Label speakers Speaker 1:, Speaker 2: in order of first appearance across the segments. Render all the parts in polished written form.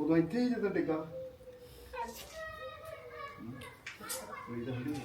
Speaker 1: ਉਦੋਂ ਇੱਥੇ ਹੀ ਜਦੋਂ ਡਿੱਗਾ ਕੋਈ ਤਾਂ ਹੜੀ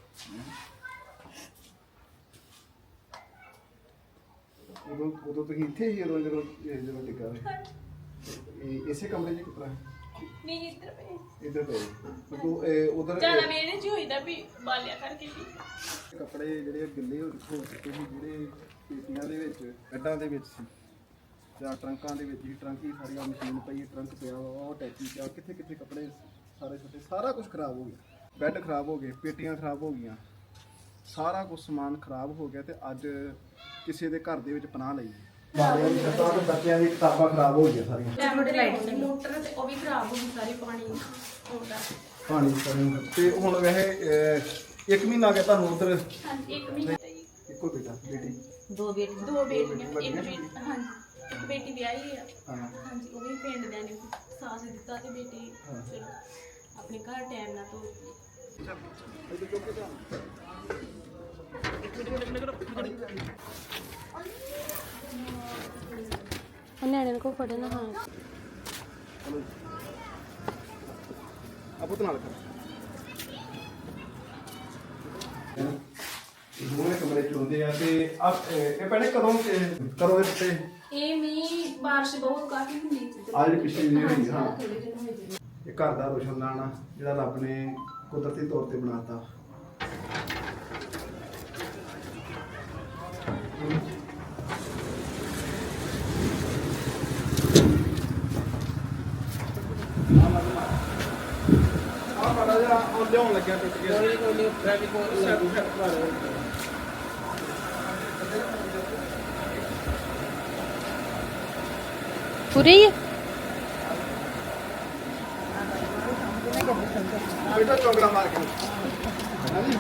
Speaker 1: ਉਦੋਂ ਤੁਸੀਂ ਇੱਥੇ ਹੀ ਜਦੋਂ ਡਿੱਗਾ ਇਸੇ ਕਮਰੇ 'ਚ ਕਿਤਰਾ
Speaker 2: ਨਹੀਂ ਇੱਧਰ ਪਏ
Speaker 1: ਇੱਧਰ ਪਏ ਤੂੰ ਉਧਰ
Speaker 2: ਜ਼ਿਆਦਾ ਮੇਰੇ ਜੀ ਹੋਈਦਾ ਵੀ ਬਾਲਿਆ ਕਰਕੇ ਵੀ
Speaker 1: ਕੱਪੜੇ ਜਿਹੜੇ ਗਿੱਲੇ ਹੋ ਚੁੱਕੇ ਸੀ ਜਿਹੜੇ ਪੇਟੀਆਂ ਦੇ ਵਿੱਚ ਕੱਢਾਂ ਦੇ ਵਿੱਚ ਸੀ ਜਾਂ ਟਰੰਕਾਂ ਦੇ ਵਿੱਚ ਹੀ ਟਰੰਕ ਹੀ ਸਾਰੀਆਂ ਮਸ਼ੀਨ ਪਈ ਟਰੰਕ ਪਿਆ ਉਹ ਟੈਚੀ ਪਿਆ ਕਿੱਥੇ ਕਿੱਥੇ ਕੱਪੜੇ ਸਾਰੇ ਛੋਟੇ ਸਾਰਾ ਕੁਝ ਖਰਾਬ ਹੋ ਗਿਆ ਬੈੱਡ ਖਰਾਬ ਹੋ ਗਏ ਪੇਟੀਆਂ ਖਰਾਬ ਹੋ ਗਈਆਂ ਸਾਰਾ ਕੁਝ ਸਮਾਨ ਖਰਾਬ ਹੋ ਗਿਆ ਤੇ ਅੱਜ ਕਿਸੇ ਦੇ ਘਰ ਦੇ ਵਿੱਚ ਪਨਾਹ ਲਈ ਬਾਲਿਆਂ ਦੀ ਛੱਤਾਂ ਤੇ ਬੱਚਿਆਂ ਦੀ ਕਿਤਾਬਾਂ ਖਰਾਬ ਹੋ ਗਈਆਂ ਸਾਰੀਆਂ
Speaker 2: ਮੋਟਰ ਤੇ ਉਹ ਵੀ ਖਰਾਬ ਹੋ ਗਈ ਸਾਰੀ ਪਾਣੀ ਆਉਂਦਾ
Speaker 1: ਪਾਣੀ ਤੇ ਹੁਣ ਵੈਸੇ 1 ਮਹੀਨਾ ਆ ਗਿਆ ਤੁਹਾਨੂੰ ਉਧਰ
Speaker 2: ਹਾਂਜੀ 1 ਮਹੀਨਾ ਤੇ
Speaker 1: ਇੱਕੋ ਬੇਟਾ ਬੇਟੀ
Speaker 2: ਦੋ ਬੇਟੀਆਂ ਇੱਕ ਬੇਟੀ ਹਾਂਜੀ ਇੱਕ ਬੇਟੀ ਵਿਆਹੀ ਆ
Speaker 1: ਹਾਂ
Speaker 2: ਹਾਂਜੀ ਉਹ ਵੀ ਪਿੰਡ ਦੇ ਨੇ ਸਾਥ ਦਿੱਤਾ ਤੇ ਬੇਟੀ ਚਲੋ ਆਪਣੇ ਘਰ ਟਾਈਮ ਨਾਲ ਤੋਂ ਨਿਆਣੇ ਕੋ ਫੜੇ ਨਾ ਹਾਂ
Speaker 1: ਆਪੋ ਨਾਲ ਕਰ ਦੋਵੇਂ ਕਮਰੇ ਚ ਹੁੰਦੇ ਆ ਤੇ ਇਹ ਪਹਿਲੇ ਕਦੋਂ ਦੇ ਉੱਤੇ
Speaker 2: ਇਹ ਮੀਂਹ ਬਾਰਿਸ਼ ਬਹੁਤ ਕਾਫੀ ਹੁੰਦੀ ਸੀ
Speaker 1: ਆ ਜਿਹੜੀ ਪਿਛਲੀ ਜਿਹੜੀ ਹੋਈ ਹਾਂ
Speaker 2: ਥੋੜੇ ਦਿਨ ਹੋਏ ਜੀ
Speaker 1: ਇਹ ਘਰ ਦਾ ਰੋਸ਼ਨਦਾਨ ਜਿਹੜਾ ਰੱਬ ਨੇ ਕੁਦਰਤੀ ਤੌਰ ਤੇ ਬਣਾਤਾ ਲਿਆਉਣ ਲੱਗਿਆ ਟੁੱਟ ਗਿਆ ਕੋਈ ਟ੍ਰੈਫਿਕ
Speaker 2: ਪੂਰੇ ਹੀ
Speaker 1: ਬੇਟਾ ਚੋਗਲਾ ਮਾਰ ਕੇ ਹਾਂਜੀ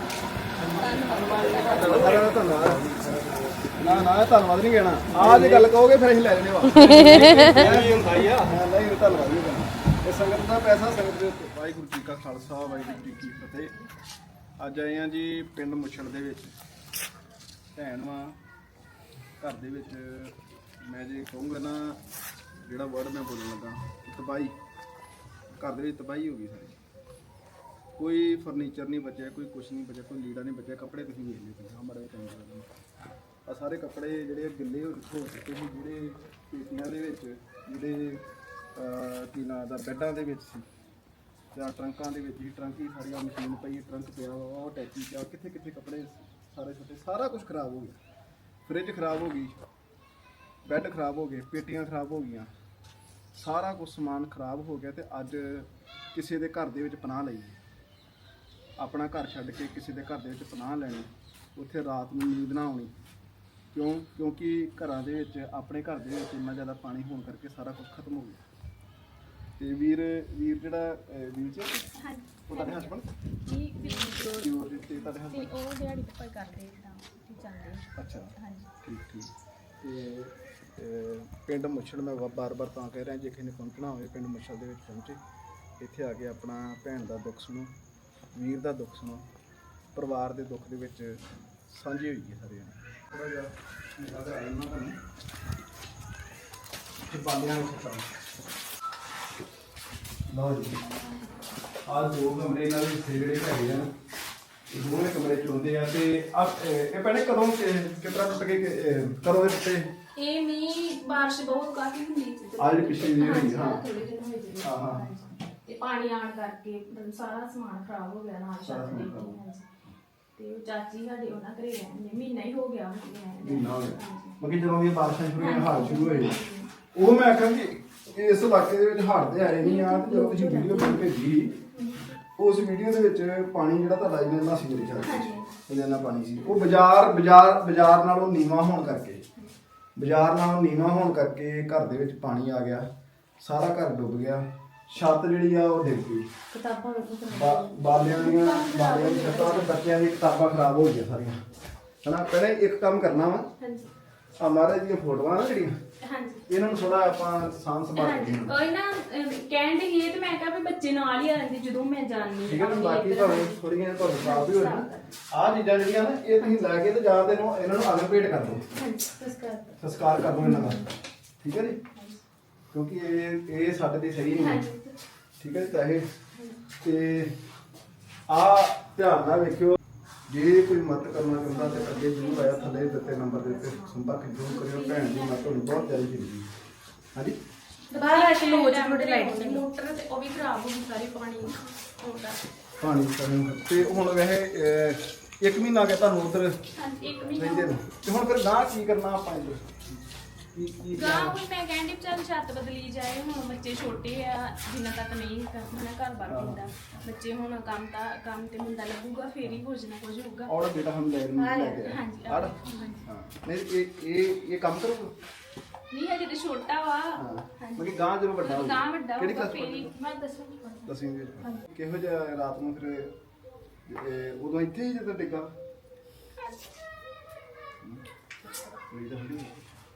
Speaker 1: ਨਾ ਧੰਨਵਾਦ ਨਹੀਂ ਕਹਿਣਾ ਆਹ ਜੇ ਗੱਲ ਕਹੋਗੇ ਫਿਰ ਅਸੀਂ ਲੈ ਲੈਣੇ ਵਾ ਨਹੀਂ ਹੁੰਦਾ ਹੀ ਆ ਨਹੀਂ ਧੰਨਵਾਦ ਨਹੀਂ ਕਹਿਣਾ ਇਹ ਸੰਗਤ ਦਾ ਪੈਸਾ ਸੰਗਤ ਦੇ ਉੱਤੇ ਵਾਹਿਗੁਰੂ ਜੀ ਕਾ ਖਾਲਸਾ ਵਾਹਿਗੁਰੂ ਜੀ ਕੀ ਫਤਿਹ ਅੱਜ ਆਏ ਆ ਜੀ ਪਿੰਡ ਮੁੱਛੜ ਦੇ ਵਿੱਚ ਭੈਣ ਵਾ ਘਰ ਦੇ ਵਿੱਚ ਮੈਂ ਜੇ ਕਹੂੰਗਾ ਨਾ ਜਿਹੜਾ ਵਰਡ ਮੈਂ ਬੋਲਣ ਲੱਗਾ ਤਬਾਹੀ ਘਰ ਦੇ ਵਿੱਚ ਤਬਾਹੀ ਹੋ ਗਈ ਸਾਰੀ ਕੋਈ ਫਰਨੀਚਰ ਨਹੀਂ ਬਚਿਆ ਕੋਈ ਕੁਛ ਨਹੀਂ ਬਚਿਆ ਕੋਈ ਲੀੜਾ ਨਹੀਂ ਬਚਿਆ ਕੱਪੜੇ ਤੁਸੀਂ ਵੇਖ ਲਿਓ ਤੁਸੀਂ ਹਮਾਰੇ ਟਾਈਮ ਆ ਸਾਰੇ ਕੱਪੜੇ ਜਿਹੜੇ ਗਿੱਲੇ ਹੋ ਚੁੱਕੇ ਸੀ ਜਿਹੜੇ ਪੇਟੀਆਂ ਦੇ ਵਿੱਚ ਜਿਹੜੇ ਕੀ ਨਾਂ ਦਾ ਬੈੱਡਾਂ ਦੇ ਵਿੱਚ ਸੀ ਜਾਂ ਟਰੰਕਾਂ ਦੇ ਵਿੱਚ ਹੀ ਟਰੰਕ ਹੀ ਸਾਰੀਆਂ ਮਸ਼ੀਨ ਪਈ ਟਰੰਕ ਪਿਆ ਉਹ ਟੈਚੀ ਪਿਆ ਕਿੱਥੇ ਕਿੱਥੇ ਕੱਪੜੇ ਸਾਰੇ ਛੋਟੇ ਸਾਰਾ ਕੁਝ ਖਰਾਬ ਹੋ ਗਿਆ ਫ੍ਰਿਜ ਖਰਾਬ ਹੋ ਗਈ ਬੈੱਡ ਖਰਾਬ ਹੋ ਗਏ ਪੇਟੀਆਂ ਖਰਾਬ ਹੋ ਗਈਆਂ ਸਾਰਾ ਕੁਝ ਸਮਾਨ ਖਰਾਬ ਹੋ ਗਿਆ ਤੇ ਅੱਜ ਕਿਸੇ ਦੇ ਘਰ ਦੇ ਵਿੱਚ ਪਨਾਹ ਲਈ ਆਪਣਾ ਘਰ ਛੱਡ ਕੇ ਕਿਸੇ ਦੇ ਘਰ ਦੇ ਵਿੱਚ ਪਨਾਹ ਲੈਣੀ ਉੱਥੇ ਰਾਤ ਨੂੰ ਨੀਂਦ ਨਾ ਆਉਣੀ ਕਿਉਂਕਿ ਘਰਾਂ ਦੇ ਵਿੱਚ ਆਪਣੇ ਘਰ ਦੇ ਵਿੱਚ ਇੰਨਾ ਜ਼ਿਆਦਾ ਪਾਣੀ ਹੋਣ ਕਰਕੇ ਸਾਰਾ ਕੁਝ ਖਤਮ ਹੋ ਗਿਆ ਤੇ ਵੀਰ ਜਿਹੜਾ ਵੀਰ ਜੀ ਉਹ ਤੁਹਾਡੇ ਹਸਬੰਡ
Speaker 2: ਜੀ ਬਿਲਕੁਲ
Speaker 1: ਤੇ ਤੁਹਾਡੇ ਹਸਬੰਡ
Speaker 2: ਉਹ ਦਿਹਾੜੀ ਤੇ ਕੋਈ ਕਰਦੇ ਤਾਂ ਚੱਲਦੇ
Speaker 1: ਅੱਛਾ
Speaker 2: ਹਾਂਜੀ
Speaker 1: ਠੀਕ ਤੇ ਪਿੰਡ ਮੁੱਛੜ ਮੈਂ ਬਾਰ-ਬਾਰ ਤਾਂ ਕਹਿ ਰਿਹਾ ਜੇ ਕਿਸੇ ਨੇ ਪਹੁੰਚਣਾ ਹੋਵੇ ਪਿੰਡ ਮੁੱਛੜ ਦੇ ਵਿੱਚ ਪਹੁੰਚੇ ਇੱਥੇ ਆ ਕੇ ਆਪਣਾ ਭੈਣ ਦਾ ਦੁੱਖ ਸੁਣੋ ਵੀਰ ਦਾ ਦੁੱਖ ਸੁਣੋ ਪਰਿਵਾਰ ਦੇ ਦੁੱਖ ਦੇ ਵਿੱਚ ਸਾਂਝੀ ਹੋਈ ਹੈ ਸਾਰੇ ਜਣੇ ਥੋੜਾ ਜਿਹਾ ਨਿਗਾਹ ਆਇਆ ਨਾ ਤੁਹਾਨੂੰ ਤੇ ਬਾਲਿਆਂ ਨੂੰ ਖਿਚਾਓ ਲਓ ਜੀ ਆਹ ਦੋ ਕਮਰੇ ਨਾਲ ਜਿਹੜੇ ਹੈਗੇ ਆ ਇਹ ਦੋਵੇਂ ਕਮਰੇ ਚ ਹੁੰਦੇ ਆ ਤੇ ਇਹ ਪਹਿਲੇ ਕਦੋਂ ਕਿਤਰਾ ਟੁੱਟ ਗਏ ਕਦੋਂ ਦੇ ਉੱਤੇ
Speaker 2: ਇਹ ਮੀਂਹ ਬਾਰਿਸ਼ ਬਹੁਤ ਕਾਫੀ ਹੁੰਦੀ ਸੀ
Speaker 1: ਆ ਜਿਹੜੀ ਪਿਛਲੀ ਜਿਹੜੀ ਹੋਈ ਹਾਂ
Speaker 2: ਥੋੜੇ ਦਿਨ ਹੋਏ ਜੀ
Speaker 1: ਹਾਂ
Speaker 2: ਤੇ ਪਾਣੀ ਆਣ ਕਰਕੇ ਮਤਲਬ ਸਾਰਾ ਸਮਾਨ ਖਰਾਬ ਹੋ ਗਿਆ ਨਾਲ ਛੱਤ ਦੇ ਤੇ ਚਾਚੀ ਸਾਡੇ ਉਹਨਾਂ ਘਰੇ ਰਹਿੰਦੇ ਮਹੀਨਾ ਹੀ ਹੋ ਗਿਆ
Speaker 1: ਮਹੀਨਾ ਹੋ ਗਿਆ ਮੱਕੀ ਜਦੋਂ ਇਹ ਬਾਰਿਸ਼ਾਂ ਸ਼ੁਰੂ ਹੋਈਆਂ ਹਾਲ ਸ਼ੁਰੂ ਹੋਏ ਉਹ ਮੈਂ ਆਖਾਂ ਕਿ ਇਸ ਇਲਾਕੇ ਦੇ ਵਿੱਚ ਹੜ੍ਹ ਤੇ ਆਏ ਨਹੀਂ ਆ ਤੇ ਜਦੋਂ ਤੁਸੀਂ ਵੀਡੀਓ ਬਣਾ ਭੇਜੀ ਉਸ ਵੀਡੀਓ ਦੇ ਵਿੱਚ ਪਾਣੀ ਜਿਹੜਾ ਤੁਹਾਡਾ ਇਹਨਾਂ ਦਾ ਸੀ ਮੇਰੇ ਖਿਆਲ ਵਿੱਚ ਇੰਨਾ ਪਾਣੀ ਸੀ ਉਹ ਬਾਜ਼ਾਰ ਨਾਲੋਂ ਨੀਵਾਂ ਹੋਣ ਕਰਕੇ ਘਰ ਦੇ ਵਿੱਚ ਪਾਣੀ ਆ ਗਿਆ ਸਾਰਾ ਘਰ ਡੁੱਬ ਗਿਆ ਛੱਤ ਜਿਹੜੀ ਆ ਉਹ ਡਿੱਗ ਗਈ
Speaker 2: ਕਿਤਾਬਾਂ
Speaker 1: ਬਾਲਿਆਂ ਦੀ ਛੱਤਾਂ ਤੇ ਬੱਚਿਆਂ ਦੀ ਕਿਤਾਬਾਂ ਖਰਾਬ ਹੋ ਗਈਆਂ ਸਾਰੀਆਂ ਹਨਾ ਪਹਿਲੇ ਇੱਕ ਕੰਮ ਕਰਨਾ ਵਾ
Speaker 2: ਹਾਂਜੀ
Speaker 1: ਆ ਮਹਾਰਾਜ ਦੀਆਂ ਫੋਟੋਆਂ ਨਾ ਜਿਹੜੀਆਂ
Speaker 2: ਹਾਂਜੀ
Speaker 1: ਇਹਨਾਂ ਨੂੰ ਥੋੜਾ ਆਪਾਂ ਸਾਂਭ ਸੰਭਾਲ ਕੇ
Speaker 2: ਕੋਈ ਨਾ ਕਹਿਣ ਦੀ ਇਹ ਤੇ ਮੈਂ ਕਿਹਾ ਵੀ ਬੱਚੇ ਨਾਲ ਹੀ ਆ ਜਾਂਦੇ ਜਦੋਂ ਮੈਂ ਜਾਣੀ
Speaker 1: ਠੀਕ ਹੈ ਨਾ ਬਾਕੀ ਭਾਵੇਂ ਥੋੜੀਆਂ ਤੁਹਾਨੂੰ ਖਰਾਬ ਵੀ ਹੋ ਜਾਣ ਆਹ ਚੀਜ਼ਾਂ ਜਿਹੜੀਆਂ ਨਾ ਇਹ ਤੁਸੀਂ ਲੈ ਕੇ ਤੇ ਜਾਂ ਤੇ ਇਹਨਾਂ ਨੂੰ ਅਗਰ ਭੇਟ ਕਰ ਦਿਓ
Speaker 2: ਹਾਂਜੀ
Speaker 1: ਸੰਸਕਾਰ ਕਰ ਦਿਓ ਇਹਨਾਂ ਦਾ ਠੀਕ ਹੈ ਜੀ ਕਿਉਂਕਿ ਇਹ ਸਾਡੇ ਤੇ ਸਹੀ ਨਹੀਂ ਹੈ। ਠੀਕ ਹੈ ਤਾਂ ਇਹ ਤੇ ਆ ਧਿਆਨ ਨਾਲ ਵੇਖਿਓ। ਜੇ ਕੋਈ ਮਦਦ ਕਰਨਾ ਚਾਹੁੰਦਾ ਤੇ ਅੱਗੇ ਜ਼ਰੂਰ ਆਇਆ, ਥੱਲੇ ਦਿੱਤੇ ਨੰਬਰ ਦੇ ਉੱਤੇ ਸੰਪਰਕ ਜ਼ਰੂਰ ਕਰਿਓ। ਭੈਣ ਦੀ ਮਦਦ ਤੁਹਾਨੂੰ ਬਹੁਤ ਜ਼ਿਆਦਾ ਜ਼ਰੂਰੀ ਹੈ। ਹਾਂਜੀ
Speaker 2: ਬਾਹਰ ਇੱਕ ਲੋਚ ਥੋੜੇ ਲਾਈਟ ਸੀ ਮੋਟਰ ਤੇ ਉਹ ਵੀ ਖਰਾਬ ਹੋ ਗਈ ਸਾਰੀ ਪਾਣੀ ਆਉਂਦਾ।
Speaker 1: ਪਾਣੀ ਤੇ ਹੁਣ ਵੈਸੇ 1 ਮਹੀਨਾ ਆ ਗਿਆ ਤੁਹਾਨੂੰ ਉਧਰ
Speaker 2: ਹਾਂਜੀ 1 ਮਹੀਨਾ
Speaker 1: ਰਹਿੰਦੇ ਨੂੰ, ਤੇ ਹੁਣ ਫਿਰ ਗਾਂ ਕੀ ਕਰਨਾ ਆਪਾਂ ਇੱਧਰ ਕੀ
Speaker 2: ਗਾਂ ਹੁਣ ਮੈਂ ਕਹਿੰਦੀ ਚੱਲ ਛੱਤ ਬਦਲੀ ਜਾਏ। ਹੁਣ ਬੱਚੇ ਛੋਟੇ ਆ, ਜਿੰਨਾ ਤੱਕ ਨਹੀਂ ਕਰਨਾ ਘਰ ਬਾਰ ਪੈਂਦਾ। ਬੱਚੇ ਹੁਣ ਕੰਮ ਤੇ ਮੁੰਡਾ ਲੱਗੂਗਾ ਫੇਰ ਹੀ ਕੁਝ ਨਾ ਕੁਝ ਹੋਊਗਾ।
Speaker 1: ਔਰ ਬੇਟਾ ਹਮ ਲੈ ਕੇ ਆਇਆ
Speaker 2: ਹਾਂਜੀ
Speaker 1: ਹਾਂ ਨਹੀਂ ਇਹ ਕੰਮ ਕਰੂਗਾ
Speaker 2: ਨਹੀਂ ਹਜੇ ਤੇ ਛੋਟਾ ਵਾ।
Speaker 1: ਹਾਂਜੀ ਮਤਲਬ ਗਾਂ ਜਦੋਂ ਵੱਡਾ ਹੋਊਗਾ
Speaker 2: ਗਾਂ ਵੱਡਾ
Speaker 1: ਕਿਹੜੀ
Speaker 2: ਹੋਊਗਾ
Speaker 1: ਕਲਾਸ
Speaker 2: ਫੇਰ ਹੀ ਮੈਂ ਦੱਸੂਗੀ।
Speaker 1: ਦਸਵੀਂ ਦੇ ਕਿਹੋ ਜਿਹਾ ਰਾਤ ਨੂੰ ਫਿਰ ਉਦੋਂ ਇੱਥੇ ਹੀ ਜਦੋਂ ਡਿੱਗਾ ਕੋਈ ਤਾਂ ਹੁੰਦੀ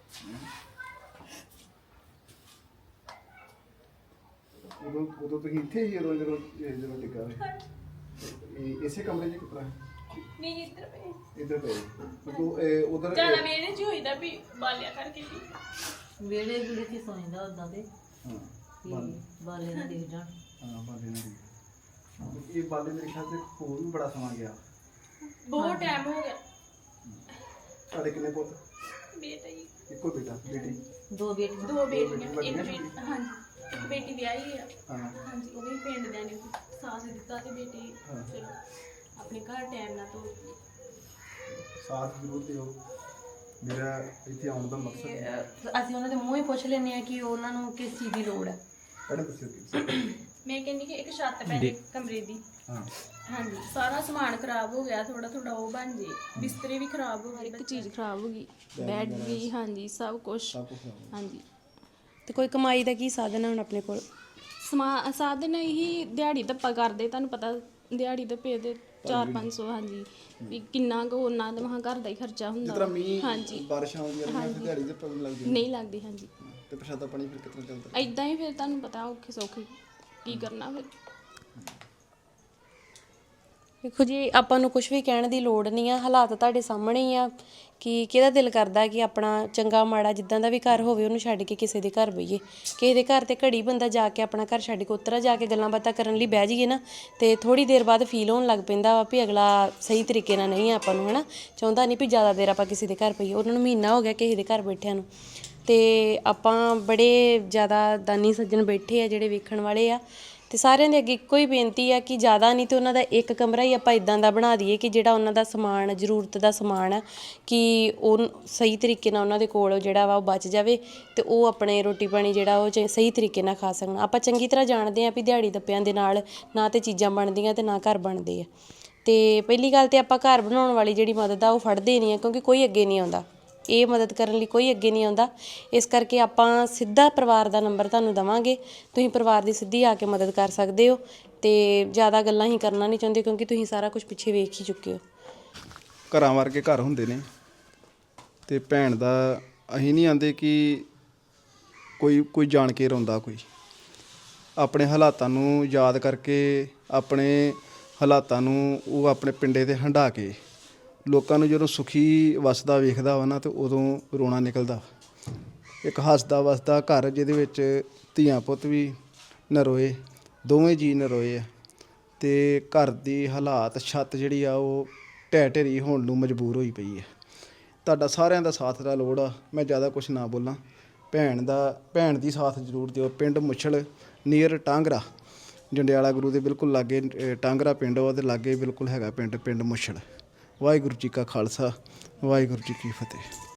Speaker 1: ਉਦੋਂ ਤੁਸੀਂ ਇੱਥੇ ਹੀ ਜਦੋਂ ਡਿੱਗਾ ਇਸੇ ਕਮਰੇ 'ਚ ਕਿਤਰਾ
Speaker 2: ਨਹੀਂ ਇੱਧਰ ਪਏ
Speaker 1: ਇੱਧਰ ਪਏ ਉਧਰ
Speaker 2: ਜਿਆਦਾ ਮੇਰੇ ਚ ਹੋਈਦਾ ਵੀ ਬਾਲਿਆ ਕਰਕੇ ਵੀ
Speaker 3: ਵੇੜੇ ਗੁਲੇ ਚ ਸੌਂਦਾ ਉਦਾਂ ਦੇ
Speaker 1: ਹਾਂ
Speaker 3: ਬਾਲੇ ਨਾ ਦੇਖ ਜਾਣ।
Speaker 1: ਹਾਂ ਬਾਲੇ ਨਾਲ ਇਹ ਬਾਲੇ ਮੇਰੇ ਖਿਆਲ ਤੇ ਹੋਰ ਵੀ ਬੜਾ ਸਮਾਂ ਗਿਆ।
Speaker 2: ਬਹੁਤ ਟਾਈਮ ਹੋ ਗਿਆ।
Speaker 1: ਤੁਹਾਡੇ ਕਿੰਨੇ ਪੁੱਤ?
Speaker 2: ਬੇਟਾ ਹੀ
Speaker 1: ਇੱਕੋ ਬੇਟਾ ਬੇਟੀ?
Speaker 3: ਦੋ ਬੇਟੀਆਂ।
Speaker 2: ਦੋ ਬੇਟੀਆਂ ਇੱਕ ਬੇਟੀ ਹਾਂਜੀ ਇੱਕ ਬੇਟੀ ਵਿਆਹੀ ਆ।
Speaker 1: ਹਾਂ
Speaker 2: ਹਾਂਜੀ ਉਹ ਵੀ ਪਿੰਡ ਦੇ ਨੇ ਸਾਥ ਦਿੱਤਾ ਤੇ ਬੇਟੀ ਚਲੋ ਆਪਣੇ ਘਰ ਟਾਈਮ ਨਾਲ ਤੋਂ
Speaker 1: ਸਾਥ ਜ਼ਰੂਰ ਦਿਓ। ਮੇਰਾ ਇੱਥੇ ਆਉਣ ਦਾ ਮਕਸਦ ਹੈ
Speaker 3: ਅਸੀਂ ਉਹਨਾਂ ਦੇ ਮੂੰਹ ਹੀ ਪੁੱਛ ਲੈਂਦੇ ਆ ਕਿ ਉਹਨਾਂ ਨੂੰ ਕਿਸ ਚੀਜ਼ ਦੀ ਲੋੜ ਹੈ।
Speaker 1: ਕਿਹੜੇ ਦੱਸਿਓ ਕੀ?
Speaker 2: ਮੈਂ ਕਹਿੰਦੀ ਕਿ ਇੱਕ ਛੱਤ ਪੈ ਜੇ ਕਮਰੇ ਦੀ।
Speaker 1: ਹਾਂ
Speaker 2: ਹਾਂਜੀ ਸਾਰਾ ਸਮਾਨ ਖਰਾਬ ਹੋ ਗਿਆ, ਥੋੜਾ ਉਹ ਬਣ ਜੇ। ਬਿਸਤਰੇ ਵੀ ਖਰਾਬ ਹੋ ਗਏ, ਇੱਕ ਚੀਜ਼ ਖਰਾਬ ਹੋ ਗਈ, ਬੈੱਡ ਵੀ ਹਾਂਜੀ ਸਭ ਕੁਝ ਹਾਂਜੀ।
Speaker 4: ਤੇ ਕੋਈ ਕਮਾਈ ਦਾ ਕੀ ਸਾਧਨ ਹੈ ਹੁਣ ਆਪਣੇ ਕੋਲ?
Speaker 2: ਸਾਧਨ ਹੀ ਦਿਹਾੜੀ ਧੱਪਾ ਕਰਦੇ। ਤੁਹਾਨੂੰ ਪਤਾ ਦਿਹਾੜੀ ਧੱਪੇ ਦੇ 400-500 ਹਾਂਜੀ ਵੀ ਕਿੰਨਾ ਕੁ ਉਹਨਾਂ ਦਾ ਮਹਾਂ ਘਰ ਦਾ ਹੀ ਖਰਚਾ
Speaker 1: ਜਿਸ
Speaker 2: ਹੁੰਦਾ।
Speaker 1: ਤਰ੍ਹਾਂ ਮੀਂਹ
Speaker 2: ਹਾਂਜੀ
Speaker 1: ਬਾਰਿਸ਼ਾਂ ਆਉਂਦੀਆਂ ਨੇ ਫਿਰ ਦਿਹਾੜੀ ਤੇ ਪਤਾ ਲੱਗਦੀ
Speaker 2: ਨਹੀਂ ਲੱਗਦੀ ਹਾਂਜੀ।
Speaker 1: ਤੇ ਪ੍ਰਸ਼ਾਦਾ ਪਾਣੀ ਫਿਰ ਕਿਤਨਾ ਚੱਲਦਾ?
Speaker 2: ਐਦਾਂ ਹੀ ਫਿਰ ਤੁਹਾਨੂੰ ਪਤਾ ਔਖੇ ਸੌਖੇ ਕੀ ਕਰਨਾ ਫਿਰ।
Speaker 4: ਦੇਖੋ ਜੀ ਆਪਾਂ ਨੂੰ ਕੁਝ ਵੀ ਕਹਿਣ ਦੀ ਲੋੜ ਨਹੀਂ ਆ, ਹਾਲਾਤ ਤੁਹਾਡੇ ਸਾਹਮਣੇ ਹੀ ਆ ਕਿ ਕਿਹਦਾ ਦਿਲ ਕਰਦਾ ਕਿ ਆਪਣਾ ਚੰਗਾ ਮਾੜਾ ਜਿੱਦਾਂ ਦਾ ਵੀ ਘਰ ਹੋਵੇ ਉਹਨੂੰ ਛੱਡ ਕੇ ਕਿਸੇ ਦੇ ਘਰ ਬਈਏ। ਕਿਸੇ ਦੇ ਘਰ ਤੇ ਘੜੀ ਬੰਦਾ ਜਾ ਕੇ ਆਪਣਾ ਘਰ ਛੱਡ ਕੇ ਉਤਰਾ ਜਾ ਕੇ ਗੱਲਾਂ ਬਾਤਾਂ ਕਰਨ ਲਈ ਬਹਿ ਜਾਈਏ ਨਾ ਤੇ ਥੋੜੀ ਦੇਰ ਬਾਅਦ ਫੀਲ ਹੋਣ ਲੱਗ ਪੈਂਦਾ ਵਾ ਵੀ ਅਗਲਾ ਸਹੀ ਤਰੀਕੇ ਨਾਲ ਨਹੀਂ ਆਪਾਂ ਨੂੰ ਹਨਾ ਚਾਹੁੰਦਾ ਨਹੀਂ ਵੀ ਜ਼ਿਆਦਾ ਦੇਰ ਆਪਾਂ ਕਿਸੇ ਦੇ ਘਰ ਪਈਏ। ਉਹਨਾਂ ਨੂੰ ਮਹੀਨਾ ਹੋ ਗਿਆ ਕਿਸੇ ਦੇ ਘਰ ਬੈਠਿਆਂ ਨੂੰ ਤੇ ਆਪਾਂ ਬੜੇ ਜ਼ਿਆਦਾ ਦਾਨੀ ਸੱਜਣ ਬੈਠੇ ਆ ਜਿਹੜੇ ਵੇਖਣ ਵਾਲੇ ਆ ਤੇ ਸਾਰਿਆਂ ਦੇ ਅੱਗੇ ਇੱਕੋ ਹੀ ਬੇਨਤੀ ਆ ਕਿ ਜ਼ਿਆਦਾ ਨਹੀਂ ਤੇ ਉਹਨਾਂ ਦਾ ਇੱਕ ਕਮਰਾ ਹੀ ਆਪਾਂ ਇਦਾਂ ਦਾ ਬਣਾ ਦਈਏ ਕਿ ਜਿਹੜਾ ਉਹਨਾਂ ਦਾ ਸਮਾਨ ਜ਼ਰੂਰਤ ਦਾ ਸਮਾਨ ਆ ਕਿ ਉਹ ਸਹੀ ਤਰੀਕੇ ਨਾਲ ਉਹਨਾਂ ਦੇ ਕੋਲ ਜਿਹੜਾ ਵਾ ਉਹ ਬਚ ਜਾਵੇ ਤੇ ਉਹ ਆਪਣੇ ਰੋਟੀ ਪਾਣੀ ਜਿਹੜਾ ਉਹ ਸਹੀ ਤਰੀਕੇ ਨਾਲ ਖਾ ਸਕਣ। ਆਪਾਂ ਚੰਗੀ ਤਰ੍ਹਾਂ ਜਾਣਦੇ ਆ ਵੀ ਦਿਹਾੜੀ ਦੱਪਿਆਂ ਦੇ ਨਾਲ ਨਾ ਤੇ ਚੀਜ਼ਾਂ ਬਣਦੀਆਂ ਤੇ ਨਾ ਘਰ ਬਣਦੇ ਆ। ਤੇ ਪਹਿਲੀ ਗੱਲ ਤੇ ਆਪਾਂ ਘਰ ਬਣਾਉਣ ਵਾਲੀ ਜਿਹੜੀ ਮਦਦ ਆ ਉਹ ਫੜਦੇ ਨਹੀਂ ਆ ਕਿਉਂਕਿ ਕੋਈ ਅੱਗੇ ਨਹੀਂ ਆਉਂਦਾ। ਇਹ ਮਦਦ ਕਰਨ ਲਈ ਕੋਈ ਅੱਗੇ ਨਹੀਂ ਆਉਂਦਾ। ਇਸ ਕਰਕੇ ਆਪਾਂ ਸਿੱਧਾ ਪਰਿਵਾਰ ਦਾ ਨੰਬਰ ਤੁਹਾਨੂੰ ਦੇਵਾਂਗੇ, ਤੁਸੀਂ ਪਰਿਵਾਰ ਦੀ ਸਿੱਧੀ ਆ ਕੇ ਮਦਦ ਕਰ ਸਕਦੇ ਹੋ ਤੇ ਜ਼ਿਆਦਾ ਗੱਲਾਂ ਹੀ ਕਰਨਾ ਨਹੀਂ ਚਾਹੁੰਦੇ ਕਿਉਂਕਿ ਤੁਸੀਂ ਸਾਰਾ ਕੁਝ ਪਿੱਛੇ ਵੇਖ ਹੀ ਚੁੱਕੇ ਹੋ।
Speaker 1: ਘਰਾਂ ਵਰਗੇ ਘਰ ਹੁੰਦੇ ਨੇ ਤੇ ਭੈਣ ਦਾ ਅਸੀਂ ਨਹੀਂ ਆਂਦੇ ਕਿ ਕੋਈ ਜਾਣ ਕੇ ਰੋਂਦਾ, ਕੋਈ ਆਪਣੇ ਹਾਲਾਤਾਂ ਨੂੰ ਯਾਦ ਕਰਕੇ ਆਪਣੇ ਹਾਲਾਤਾਂ ਨੂੰ ਉਹ ਆਪਣੇ ਪਿੰਡੇ ਤੇ ਹੰਢਾ ਕੇ ਲੋਕਾਂ ਨੂੰ ਜਦੋਂ ਸੁਖੀ ਵਸਦਾ ਵੇਖਦਾ ਵਾ ਨਾ ਤੇ ਉਦੋਂ ਰੋਣਾ ਨਿਕਲਦਾ। ਇੱਕ ਹੱਸਦਾ ਵਸਦਾ ਘਰ ਜਿਹਦੇ ਵਿੱਚ ਧੀਆਂ ਪੁੱਤ ਵੀ ਨਰੋਏ, ਦੋਵੇਂ ਜੀ ਨਰੋਏ ਆ ਤੇ ਘਰ ਦੀ ਹਾਲਾਤ ਛੱਤ ਜਿਹੜੀ ਆ ਉਹ ਢਹਿ ਢੇਰੀ ਹੋਣ ਨੂੰ ਮਜਬੂਰ ਹੋਈ ਪਈ ਹੈ। ਤੁਹਾਡਾ ਸਾਰਿਆਂ ਦਾ ਸਾਥ ਦਾ ਲੋੜ ਆ। ਮੈਂ ਜ਼ਿਆਦਾ ਕੁਝ ਨਾ ਬੋਲਾਂ। ਭੈਣ ਦੀ ਸਾਥ ਜ਼ਰੂਰ ਦਿਓ। ਪਿੰਡ ਮੁੱਛਲ ਨੀਅਰ ਟਾਂਗਰਾ, ਜੰਡਿਆਲਾ ਗੁਰੂ ਦੇ ਬਿਲਕੁਲ ਲਾਗੇ ਟਾਂਗਰਾ ਪਿੰਡ ਉਹਦੇ ਲਾਗੇ ਬਿਲਕੁਲ ਹੈਗਾ ਪਿੰਡ ਮੁੱਛਲ। ਵਾਹਿਗੁਰੂ ਜੀ ਕਾ ਖਾਲਸਾ, ਵਾਹਿਗੁਰੂ ਜੀ ਕੀ ਫਤਿਹ।